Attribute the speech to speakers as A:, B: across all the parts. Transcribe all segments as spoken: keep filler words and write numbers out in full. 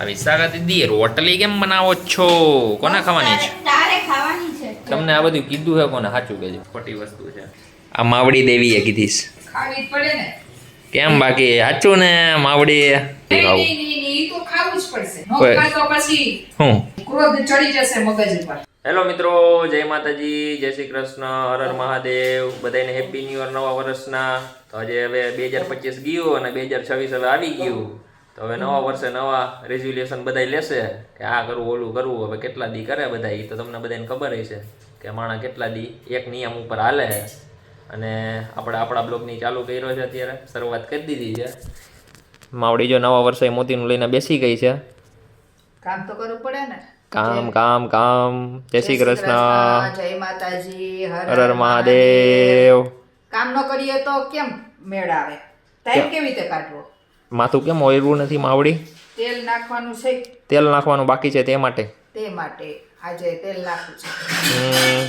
A: વિશાખા દીદી રોટલી કેમ બનાવો છો? કોને ખાવાની છે?
B: તારે ખાવાની છે.
A: તમને આ બધું કીધું છે કોને? સાચું કહેજો. ખોટી વસ્તુ છે આ. માવડી દેવીએ કીધીશ.
B: ખાવી જ પડે ને.
A: કેમ બાકી સાચું ને? માવડી
B: નહીં નહીં નહીં ઈ તો ખાવું જ પડશે. નો ખાય તો પછી
A: હું
B: ક્રોધ ચડી જશે મગજ ઉપર.
A: હેલો મિત્રો, જય માતાજી, જય શ્રી કૃષ્ણ, હર હર મહાદેવ. બધાને હેપી ન્યુ યર નવા વર્ષના. તો આજે હવે બે હજાર પચીસ ગયું અને બે હજાર છવ્વીસ હવે આવી ગયું. તો હવે નવા વર્ષે નવા રેઝોલ્યુશન બધા લેશે કે આ કરવું ઓલું કરવું. હવે કેટલા દી કરે બધા એ તો તમને બધાને ખબર છે કે માણા કેટલા દી એક નિયમ ઉપર હાલે. અને આપણે આપણા બ્લોગની ચાલુ કર્યો છે અત્યારે, શરૂઆત કરી દીધી છે. માવડી જો નવા વર્ષે મોતીનું લઈને બેસી ગઈ છે.
B: કામ તો કરવું પડે ને.
A: કામ કામ કામ. જય શ્રી કૃષ્ણ,
B: જય માતાજી, હર
A: હર હર મહાદેવ.
B: કામ ન કરીએ તો કેમ મેળ આવે? ટાઈમ કેવી રીતે કાઢવો?
A: માથું કેમ ઓયરું નથી માવડી?
B: તેલ નાખવાનું છે.
A: તેલ નાખવાનું બાકી છે તે માટે.
B: તે માટે આજે તેલ નાખવું છે.
A: હમ.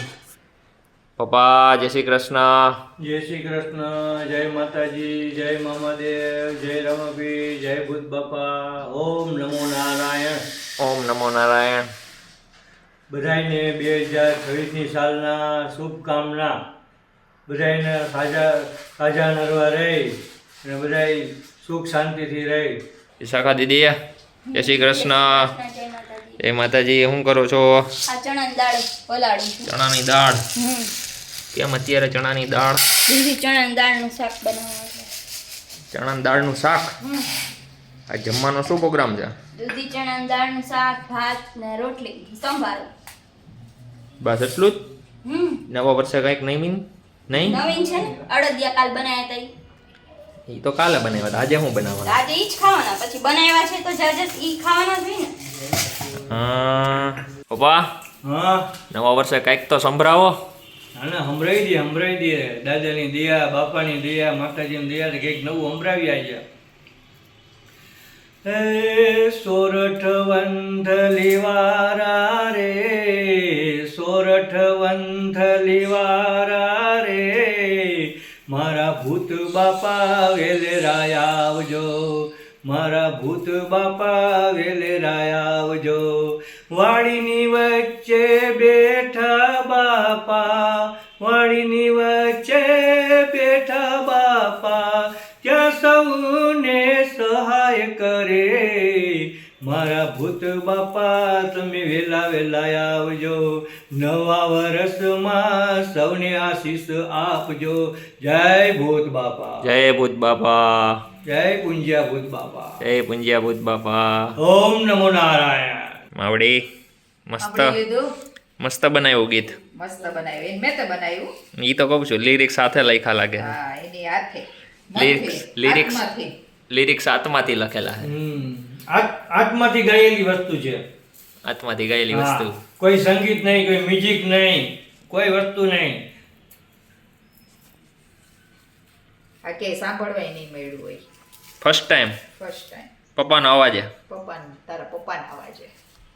A: પપ્પા જય શ્રી કૃષ્ણ.
C: જય શ્રી કૃષ્ણ, જય માતાજી, જય મામાદેવ, જય રમાભી, જય ભૂત બાપા, ઓમ નમો નારાયણ.
A: ઓમ નમો નારાયણ.
C: બધાયને બે હજાર છવ્વીસની સાલના શુભકામના. બધાયને ખાજા ખાજા નરવા રહી અને બધાય સુખ શાંતિથી રહી.
A: વિશાખા દીદી જય શ્રી કૃષ્ણ. જય માતાજી. શું કરો છો?
D: આ ચણાની દાળ પલાળી છે.
A: ચણાની દાળ.
D: હમ
A: કેમ અત્યારે ચણાની દાળ?
D: દૂધી ચણાની દાળનું શાક બનાવવાનું છે.
A: ચણાની દાળનું શાક.
D: હમ
A: આ જમવાનો શું પ્રોગ્રામ છે?
D: દૂધી ચણાની દાળનું શાક, ભાત ને રોટલી, સંભારો.
A: બસ એટલું જ?
D: હમ
A: નવા વર્ષે કંઈક નહીં? નહીં
D: નવીન છે ને, અડદિયા કાલ બનાવ્યા હતા ઈ.
A: એ તો કાલે બનાવ્યા હતા. આજે શું બનાવવાનું?
D: આજે ઈ જ ખાવાના, પછી બનાવ્યા છે તો જાજે ઈ ખાવાના જ હોય ને.
A: હા પપ્પા,
C: હા,
A: નવા વર્ષે કંઈક તો સંભળાવો.
C: આને સંભળાવી દે, સંભળાવી દે. દાદાની દયા, બાપાની દયા, માતાજીની દયા કંઈક નવું સંભળાવી આજે. હે સોરઠ વંથલીવારા રે, સોરઠ વંથલીવારા રે, મારા ભૂત બાપા વેલેરાય આવજો, મારા ભૂત બાપા વેલેરાય આવજો. વાડીની વચ્ચે બેઠા બાપા, વાડીની વચ્ચે બેઠા બાપા, ત્યાં સૌને સહાય કરે. મારા ભૂત બાપા તમે વેલા વેલા આવજો, નવા વર્ષમાં સૌને આશીષ આપજો. જય ભૂત બાપા,
A: જય ભૂત બાપા,
C: જય પુંજ્યા ભૂત બાપા,
A: જય પુંજ્યા ભૂત બાપા.
C: ઓમ નમો નારાયણ.
A: માવડી મસ્ત
B: સાંભળી લીધું?
A: મસ્ત બનાવ્યું ગીત.
B: મસ્ત બનાવ્યું. એને મેં તો બનાવ્યું.
A: ઈ તો કહું છું, લિરિક્સ સાથે લખ્યા લાગે.
B: હા, એની હાથે.
A: લિરિક્સ લિરિક્સ
B: આત્માથી.
A: લિરિક્સ આત્માથી લખેલા છે.
C: હમ. આત- આત્માથી ગાયેલી વસ્તુ છે.
A: આત્માથી ગયેલી
C: હા.
A: વસ્તુ.
C: કોઈ સંગીત નહીં, કોઈ મ્યુઝિક નહીં, કોઈ વસ્તુ નહીં.
B: આ કે સાંભળવાય નહીં મળ્યું હોય.
A: First time
B: first time.
A: પપ્પાનો અવાજે.
B: પપ્પાને, તારા પપ્પાના અવાજે.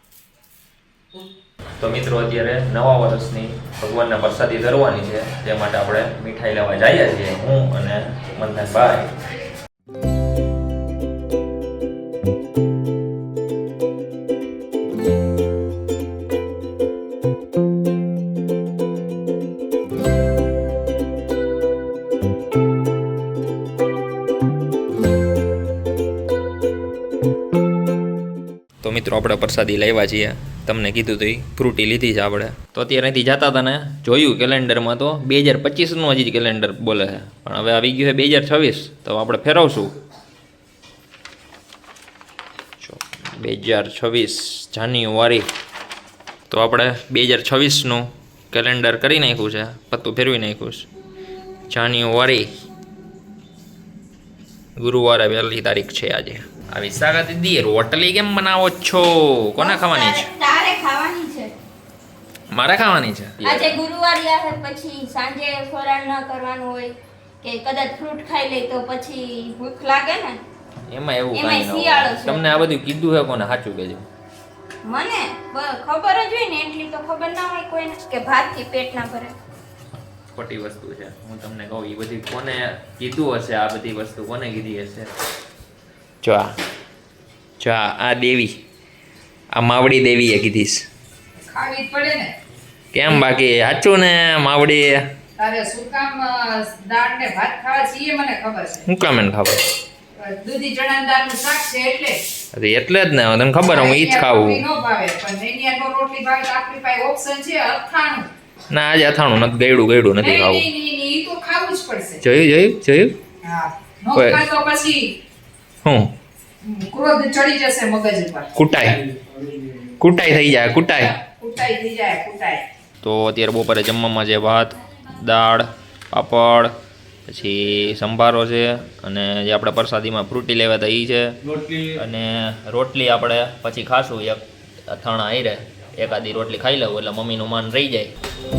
A: તો મિત્રો અત્યારે નવા વર્ષની ભગવાનને પ્રસાદી ધરવાની છે, તે માટે આપણે મીઠાઈ લેવા જઈએ છીએ, હું અને મંથનભાઈ. તો મિત્રો આપણે પ્રસાદી લેવા છીએ. તમને કીધું તો એ ફ્રૂટી લીધી છે આપણે. તો અત્યારે અહીંથી જતા હતા ને જોયું કેલેન્ડરમાં તો બે હજાર પચીસનું હજી કેલેન્ડર બોલે છે, પણ હવે આવી ગયું છે બે હજાર છવ્વીસ. તો આપણે ફેરવશું. બે હજાર છવ્વીસ જાન્યુઆરી. તો આપણે બે હજાર છવ્વીસનું કેલેન્ડર કરી નાખ્યું છે, પત્તું ફેરવી નાખ્યું છે. જાન્યુઆરી, ગુરુવારે પહેલી તારીખ છે આજે. આ વિશાખા દીદી રોટલી કેમ બનાવો છો? કોને ખાવાની છે?
D: તારે ખાવાની છે.
A: મારે ખાવાની છે.
D: આજે ગુરુવાર આવે, પછી સાંજે ફરાળ ન કરવાનું હોય કે કદાચ ફ્રૂટ ખાઈ લે તો પછી ભૂખ લાગે ને.
A: એમાં એવું
D: એમાંય
A: કાંઈ ન
D: શિયાળો
A: હોય.
D: છે.
A: તમને આ બધું કીધું છે કોને? સાચું કહેજો.
D: મને બ- ખબર જ હોય ને, એટલી તો ખબર ના હોય કોઈને કે ભાતથી પેટ ના ભરે.
A: ખોટી વસ્તુ છે. હું તમને કહું, એ બધી કોને કીધું હશે? આ બધી વસ્તુ કોને કીધી હશે? જો આ જો આ આ દેવી આ માવડી દેવીએ કીધીશ.
B: ખાવી જ પડે ને.
A: કેમ બાકી સાચું ને માવડી?
B: તારે શું કામ અ, દાળ ને ભાત ખાવા છીએ મને ખબર છે.
A: હું કામ એને ખબર?
B: અ, દૂધી ચણાની દાળનું શાક છે એટલે.
A: અરે એટલે જ ને તને ખબર હું ઈ જ ખાવું.
B: રોટલી ન ભાવે પણ એની નો રોટલી ભાવે તો આપણી પાસે ઓપ્શન છે અથાણું.
A: ના આજે અથાણું નથી ગયડું ગયડું નથી
B: નહીં
A: ખાવું.
B: નહીં નહીં નહીં, ઈ તો ખાવું જ પડશે.
A: જોયું જોયું જોયું
B: હા નો
A: કોઈ-
B: ખાય તો પછી
A: હું
B: હમ, ક્રોધ ચડી જશે મગજ ઉપર.
A: કુટાઈ કુટાઈ થઈ જાય કુટાઈ.
B: કૂટાઈ થઈ જાય કૂટાઈ.
A: તો અત્યારે બપોરે જમવામાં છે ભાત દાળ પાપડ પછી સંભારો છે અને જે આપણે પ્રસાદીમાં ફ્રૂટી લેવા હતા એ છે
C: રોટલી
A: અને રોટલી આપણે પછી ખાશું એક અથાણા આયરે એકાદી રોટલી ખાઈ લઉં એટલે મમ્મીનું માન રહી જાય.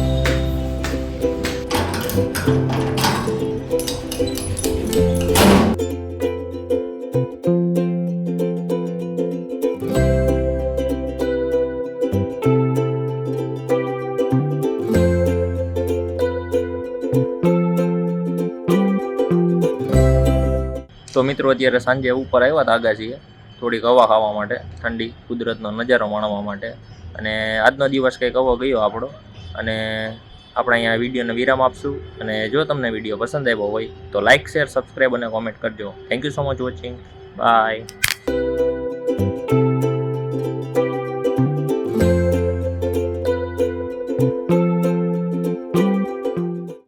A: તો મિત્રો અત્યારે સાંજે ઉપર આવ્યા હતા આગાશીએ થોડીક હવા ખાવા માટે ઠંડી કુદરતનો નજારો માણવા માટે અને આજનો દિવસ કંઈક આવો ગયો આપણો અને આપણે અહીંયા વિડીયોને વિરામ આપશું અને જો તમને વિડીયો પસંદ આવ્યો હોય તો લાઇક શેર સબસ્ક્રાઈબ અને કોમેન્ટ કરજો. Thank you so much watching by.